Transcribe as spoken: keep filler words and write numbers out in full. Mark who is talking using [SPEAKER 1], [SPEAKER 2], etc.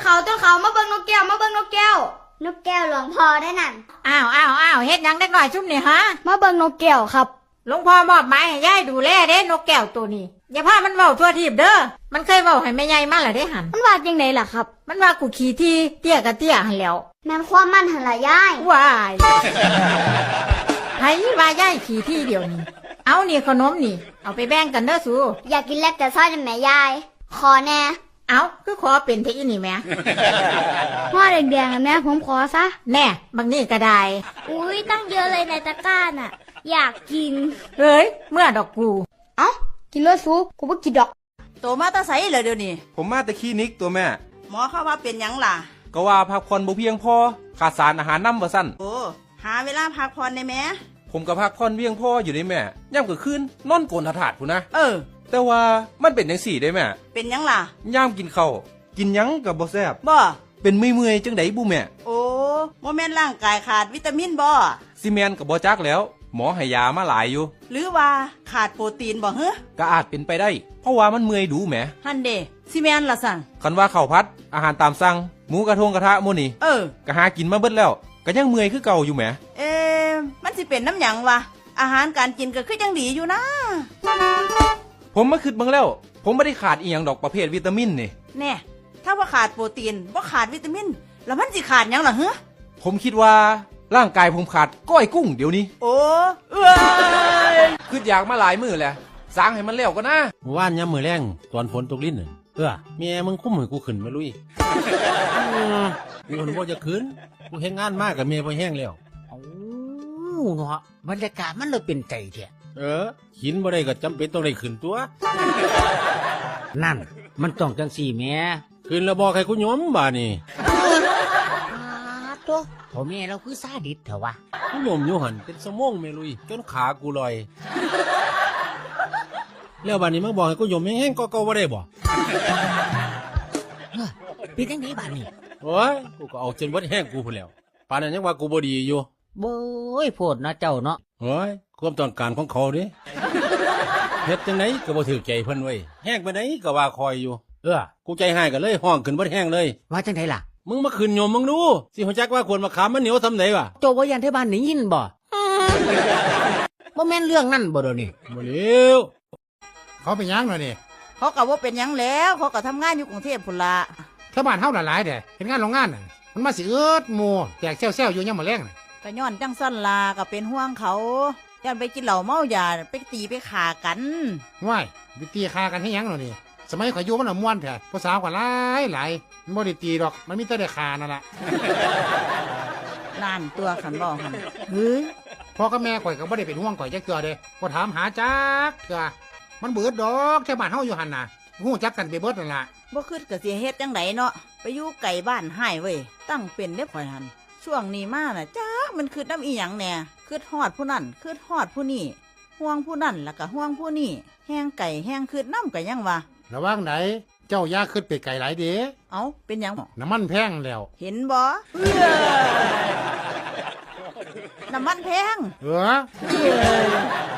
[SPEAKER 1] เขาต้นเขามาเบิ่งนกแก้วมาเบิ่งนกแก้วนกแก้วหลวงพ่อได้นั่น
[SPEAKER 2] อ้าวอ้าวอ้าวเฮ็ดยังเด็กหน่อยชุ่มนี่ฮะ
[SPEAKER 1] มาเบิ่งนกแก้วครับ
[SPEAKER 2] หลวงพ่อมอบหมายให้ยายดูแลเด้นกแก้วตัวนี้อย่าพามันเว้าทั่วทีบเด้อมันเคยเว้าให้แม่ใหญ่มาล่ะเด้หัน
[SPEAKER 1] มันว่าจังไดล่ะครับ
[SPEAKER 2] มันว่ากูขี้ที่เตี้ยกะเตี้ยหันแล้ว
[SPEAKER 1] แม่นความมันหั่นล่ะยาย
[SPEAKER 2] ว้ายไผว่ายายขี้ที่เดียวนี้เอานี่ขนมนี่เอาไปแบ่งกันเด้อสู
[SPEAKER 1] อยากกินเล็กแต่ซอยจังแม่ยายขอแน่
[SPEAKER 2] เอาคือขอเป็นเทอีนี่แม่
[SPEAKER 1] ห่อแดงๆอันนี้ผมขอซะ
[SPEAKER 2] แน่บางนี่ก็ได้
[SPEAKER 1] อุ้ยตั้งเยอะเลยในตะกร้าน่ะอยากกิน
[SPEAKER 2] เฮ้ยเมื่อดอกกู
[SPEAKER 1] เอ้ากินเลยสูกูบ่กินดอก
[SPEAKER 3] โตมาตาใสเลยเดี๋ยวนี้
[SPEAKER 4] ผมมาแต่คลินิกตัวแม่
[SPEAKER 3] หมอเขาว่าเป็นหยังล่ะ
[SPEAKER 4] ก็ว่าพักผ่อนบ่เพียงพอขาดสารอาหารนำบ่ซั่น
[SPEAKER 3] โอ้หาเวลาพักผ่อนได้แม่
[SPEAKER 4] ผมก็พักผ่อนเพียงพออยู่ได้แม่ย่ำกลางคืนนอนโกนถาดพุ่นนะ
[SPEAKER 3] เออ
[SPEAKER 4] แต่ว่ามันเป็นจังซี่ได้แม่
[SPEAKER 3] เป็นหยังล่ะ
[SPEAKER 4] ย่ามกินข้าวกินหยังก็บ่แซ่บ
[SPEAKER 3] บ่
[SPEAKER 4] เป็นเมื่อยๆจังได๋บุแม่
[SPEAKER 3] โอ้บ่แม่นร่างกายขาดวิตามินบ่
[SPEAKER 4] ซีเมนก็บ่จักแล้วหมอให้ยามาหลายอยู่
[SPEAKER 3] หรือว่าขาดโปรตีนบ่เฮ้อ
[SPEAKER 4] ก็อาจเป็นไปได้เพราะว่ามันเมื่อยดูแหม
[SPEAKER 3] หั่นเด้ซีแม่นล่ะสั่ง
[SPEAKER 4] คันว่าข้าวผัดอาหารตามสั่งหมูกระทงกระทะหมู่นี่
[SPEAKER 3] เออ
[SPEAKER 4] ก็หากินมาเบิดแล้วก็ยังเมื่อยคือเก่าอยู่แหม
[SPEAKER 3] เอ๊ะมันสิเป็นน้ำหยังวะอาหารการกินก็คือจังดีอยู่นะ
[SPEAKER 4] ผมมาคิดเบิ่งแล้วผมบ่ได้ขาดอีหยังดอกประเภทวิตามินนี่
[SPEAKER 3] แน่ถ้าว่าขาดโปรตีนบ่ขาดวิตามินแล้วมันสิขาดหยังล่ะเฮ้อ
[SPEAKER 4] ผมคิดว่าร่างกายผมขาดก้อยกุ้งเดี๋ยวนี้
[SPEAKER 3] โอ้เอ้ย
[SPEAKER 4] คืออยากมาหลายมื้อแล้วสร้างให้มันแล้วก็นะ
[SPEAKER 5] ว่านยามมื้อแรงตอนฝนตกลิ้นน่ะเออแม่มึงคุ้มให้กูขึ้นมาลุยกูคนบ่จะขึ้นกูเฮ็ดงานมากกับแม่บ่แห้งแล้ว
[SPEAKER 2] โอ้เนาะบรรยากาศมันเลยเป็นใจแท้
[SPEAKER 5] เออกินบ่ได้ก็จำเป็นต้องได้ขึ้นตัว
[SPEAKER 2] นั่นมันต้องจังสี่แม่
[SPEAKER 5] ขึ้นแล้วบอกให้กูยอมบาดนี่
[SPEAKER 2] ตัวพ่อแม่เราคือซาดิสเถอะวะ
[SPEAKER 5] กูยอมอยู่หั่นเป็นสมองแม่ลุยจนขากูลอยแล้วบาดนี้มึงบอกให้กูยอมแห้งๆก็ก็บ่ได้บ่
[SPEAKER 2] เป็นจังได๋บาดนี้
[SPEAKER 5] โอ้ยกูก็เอาจนบ่แห้งกูพุ่นแล้วปานนั้นยังว่ากูบ่ดีอยู่
[SPEAKER 2] โบ้ยโพดนะเจ้าเนาะ
[SPEAKER 5] โอ้ยความต้องการของเขาเด้เฮ็ดจังได๋ก็บ่ถูกใจเพิ่นเว้ยแห้งไปไหนก็ว่าคอยอยู่เออกูใจหายก็เลยห้องขึ้นบ่แห้งเลย
[SPEAKER 2] ว่าจังได๋ล่ะ
[SPEAKER 5] มึงมาขึ้นโยมมึงดูสิฮู้จักว่าควรมะขามมันเหนียวซำไดวะ
[SPEAKER 2] โจบ่ยันเทบ้านได้ยินบ่บ่แม่นเรื่องนั้นบ่เด้อนี่
[SPEAKER 5] บ่แล้วเขาเป็นหยังเนาะนี่
[SPEAKER 3] เขาก็บ่เป็นหยังแล้วเขาก็ทำงานอยู่กรุงเทพพุ่นล่ะ
[SPEAKER 5] แถวบ้านเฮาหลายๆเด้เฮ็ดงานโรงงานน่ะมันมาสิเอิดหมู่แตกแซวๆอยู่ยามมื้อแลงน่ะ
[SPEAKER 3] ก็ย้อนจังซั่นล่ะก็เป็นห่วงเขาย้อนไปกินเหล้าเมายาไปตีไปฆ่ากัน
[SPEAKER 5] ว้ายไปตีฆ่ากันเฮ็ดหยังเนาะนี่สมัยข่อยอยู่มันน่ะม่วนแท้ผู้สาวก็หลายหลายมันบ่ได้ตีดอกมันมีแต่ได้ฆ่านั่นล่ะ
[SPEAKER 3] ล้านตัวคันบ่หั่นเฮ้ย
[SPEAKER 5] พ่อกับแม่ข่อยก็บ่ได้เป็นห่วงข่อยจักเทื่อเด้บ่ถามหาจักเทื่อมันเบิดดอกแค่บ้านเฮาอยู่หั่นน่ะฮู้จักกันไปเบิดนั่นล่ะ
[SPEAKER 3] บ่คิดก็สิเฮ็ดจังไดเนาะไปอยู่ไกลบ้านหายเว้ยตั้งเป็นเด้ข่อยหั่นช่วงนี้มาน่ะจักมันคิดนำอีหยังแหน่คิดฮอดผู้นั้นคิดฮอดผู้นี้ห่วงผู้นั้นแล้วก็ห่วงผู้นี้แห้งไก่แห้งคิดนำก็ยังว่า
[SPEAKER 5] ระวังไหนเจ้าย่าขึ้นไปไกลหลายเด้
[SPEAKER 3] เอ้าเป็นหยัง
[SPEAKER 5] น้ำมันแพงแล้ว
[SPEAKER 3] เห็นบ่น้ำมันแพง
[SPEAKER 5] เออ